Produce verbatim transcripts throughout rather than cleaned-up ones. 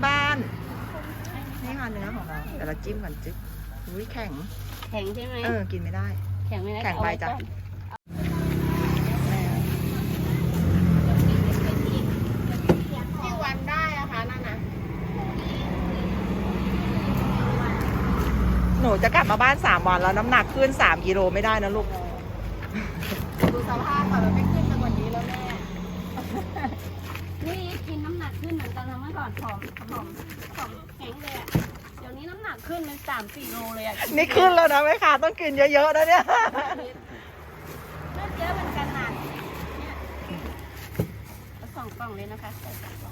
บ้านนี่ค่ะเนื้อของเราแต่เราจิ้มก่อนจิ๊บอุ้ยแข็งแข็งใช่ไหมเออกินไม่ได้แข็งไม่ได้แข็งไปจ้ะที่วันได้อะคะนั่นนะหนูจะกลับมาบ้านสามวันแล้วน้ำหนักขึ้นสามกิโลไม่ได้นะลูกดูสภาพก่อนมันไม่ขึ้นไปกว่านี้แล้วแม่นี่กินน้ำหนักขึ้นเหมือนกันนะเมื่อก่อนผอมผอมผอมแข็งเลยอะเดี๋ยวนี้น้ำหนักขึ้นเป็นสามสี่โลเลยอะนี่ขึ้นแล้วนะแม่ค้าต้องกินเยอะๆนะเนี่ยเลือดเยอะเหมือนกันนะเนี่ยเอาสองกล่องเลยนะคะใส่สองกล่อง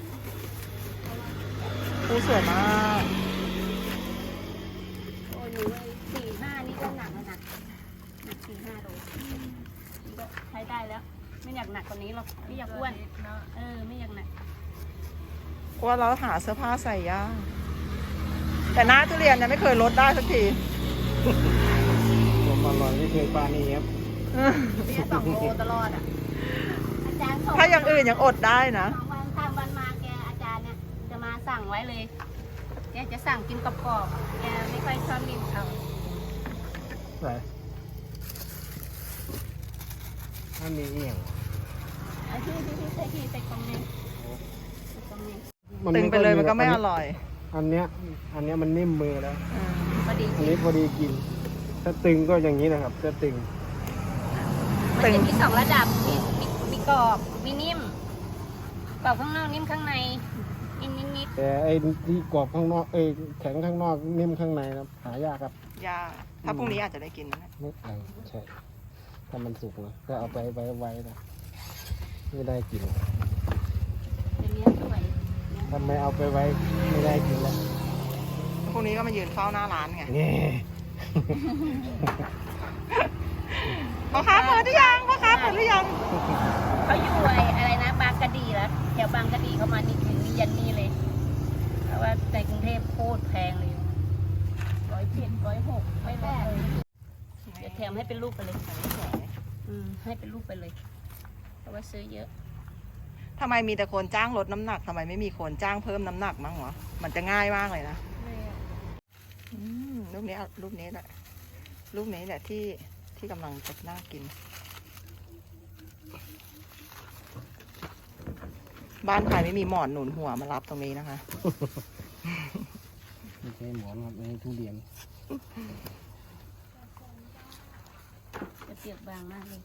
ดูสวยมากโอ้ยหนูสี่ห้านี่ก็หนักแล้วนะหนักสี่ห้าโลนี่ก็ใช้ได้แล้วไม่อยากหนักกว่านี้หรอกไม่อยากอ้วนเออไม่อยากหนักว่าเราหาเสื้อผ้าใส่ยากแต่หน้าทุเรียนเนี่ยไม่เคยลดได้สักทีผมอร่อยไม่เคยปานี่ครับเสียสองโลตลอดอ่ะอาจารย์ถ้าอย่างอื่นยังอดได้นะสองวันสามวันมาแกอาจารย์เนี่ยจะมาสั่งไว้เลยแกจะสั่งกินกรอบๆแกไม่ค่อยชอบกินเขาใส่ถ้ามีเอียงเอาที่ที่ที่ใส่ที่ใส่กล่องนี้กล่องนี้ตึงไปเลยมันก็ไม่อร่อยอันเนี้ยอันเนี้ยมันนิ่มมือแล้วพอดีอันนี้พอดีกินถ้าตึงก็อย่างนี้นะครับถ้าตึงมันจะมีสองระดับมีมีมีกรอบมีนิ่มกรอบข้างนอกนิ่มข้างในนิดนิดนิดแต่ไอ้ที่กรอบข้างนอกเอ้แข็งข้างนอกนิ่มข้างในครับหายากครับยากถ้าพรุ่งนี้อาจจะได้กินนะไม่ไอใช่ถ้ามันสุกนะก็เอาไปไว้ไว้นะไม่ได้กินทำไมเอาไปไว้ไม่ได้กินแล้วพรุ่งนี้ก็มายืนเฝ้าหน้าร้านไงพ่อค้าเปิดหรือยังพ่อค้าเปิดหรือยังเขาอยู่อะไรนะบางกะดีแล้วแถวบางกะดีเขามานี่ถึงนี่ยันนี่เลยเพราะว่าในกรุงเทพโคตรแพงเลยร้อยเจ็ดร้อยหกไม่แพงเดี๋ยวแถมให้เป็นรูปไปเลยอืมให้เป็นรูปไปเลยเพราะว่าซื้อเยอะทำไมมีแต่คนจ้างลดน้ำหนักทำไมไม่มีคนจ้างเพิ่มน้ำหนักมั้งวะมันจะง่ายมากเลยนะรูปนี้รูปนี้แหละรูปนี้แหละที่ที่กำลังจะน่ากินบ้านใครไม่มีหมอนหนุนหัวมารับตรงนี้นะคะไม่ใช่หมอนครับนี่ทุเรียนจะเปียกบางมากเลย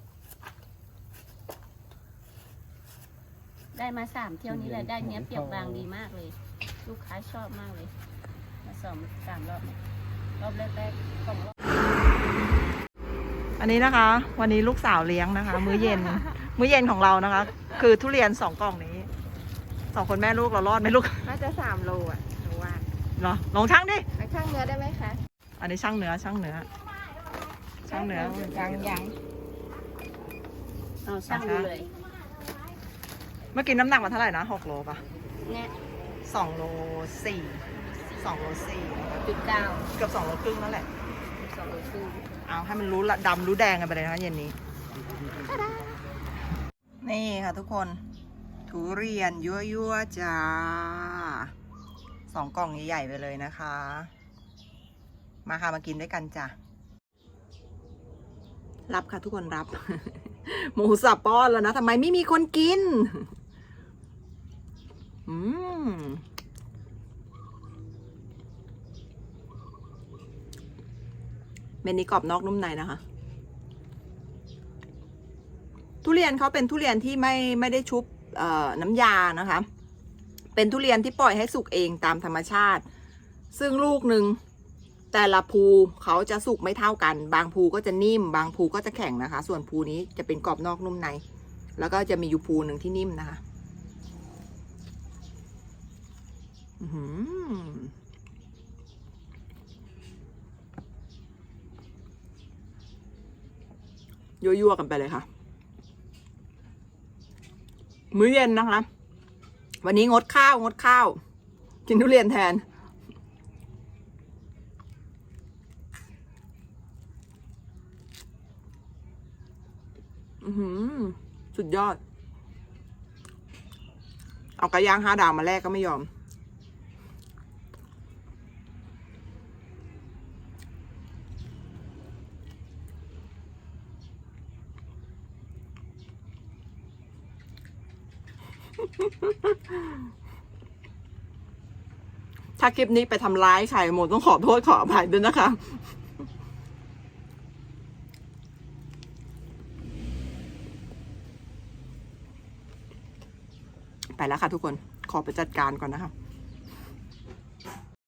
ได้มาสามเที่ยวนี้แหละได้เนี้ยเปียกบางดีมากเลยลูกค้าชอบมากเลยมาสองสามรอบรอบแรกๆสองรอบอันนี้นะคะ วันนี้ลูกสาวเลี้ยงนะคะ มื้อเย็น มื้อเย็นของเรานะคะ คือทุเรียนสองกล่องนี้สองคนแม่ลูกเรารอดไหมลูกน่าจะสามโลอ่ะหนูว่าเหรอลองช่างดิช่างเนื้อได้ไหมคะอันนี้ช่างเนื้อช่างเนื้อช่างเนื้อยังยังเอาช่างดูเลยเมื่อกี้น้ำหนักมันเท่าไหร่นะหกโลป่ะเนี่ยสองโลสี่สองโลสี่จุดเก้าเกือบสองโลครึ่งนั่นแหละสองโลครึ่งเอาให้มันรู้ละดำรู้แดงกันไปเลยนะคะเย็นนี้นี่ค่ะทุกคนทุเรียนยั่วยั่วจ้าสองกล่องใหญ่ๆไปเลยนะคะมาค่ะมากินด้วยกันจ้ะรับค่ะทุกคนรับหมูสับป้อนแล้วนะทำไมไม่มีคนกินอืมเมนูกรอบนอกนุ่มในนะคะทุเรียนเขาเป็นทุเรียนที่ไม่ไม่ได้ชุบน้ำยานะคะเป็นทุเรียนที่ปล่อยให้สุกเองตามธรรมชาติซึ่งลูกหนึ่งแต่ละภูเขาจะสุกไม่เท่ากันบางภูก็จะนิ่มบางภูก็จะแข็งนะคะส่วนภูนี้จะเป็นกรอบนอกนุ่มในแล้วก็จะมีอยู่ภูหนึ่งที่นิ่มนะคะยั่วๆกันไปเลยค่ะมื้อเย็นนะคะวันนี้งดข้าวงดข้าวกินทุเรียนแทนอือสุดยอดเอากระย่างห้าดาวมาแลกก็ไม่ยอมถ้าคลิปนี้ไปทำร้ายใครโมต้องขอโทษขออภัยด้วยนะคะ ไปแล้วค่ะทุกคน ขอไปจัดการก่อนนะคะ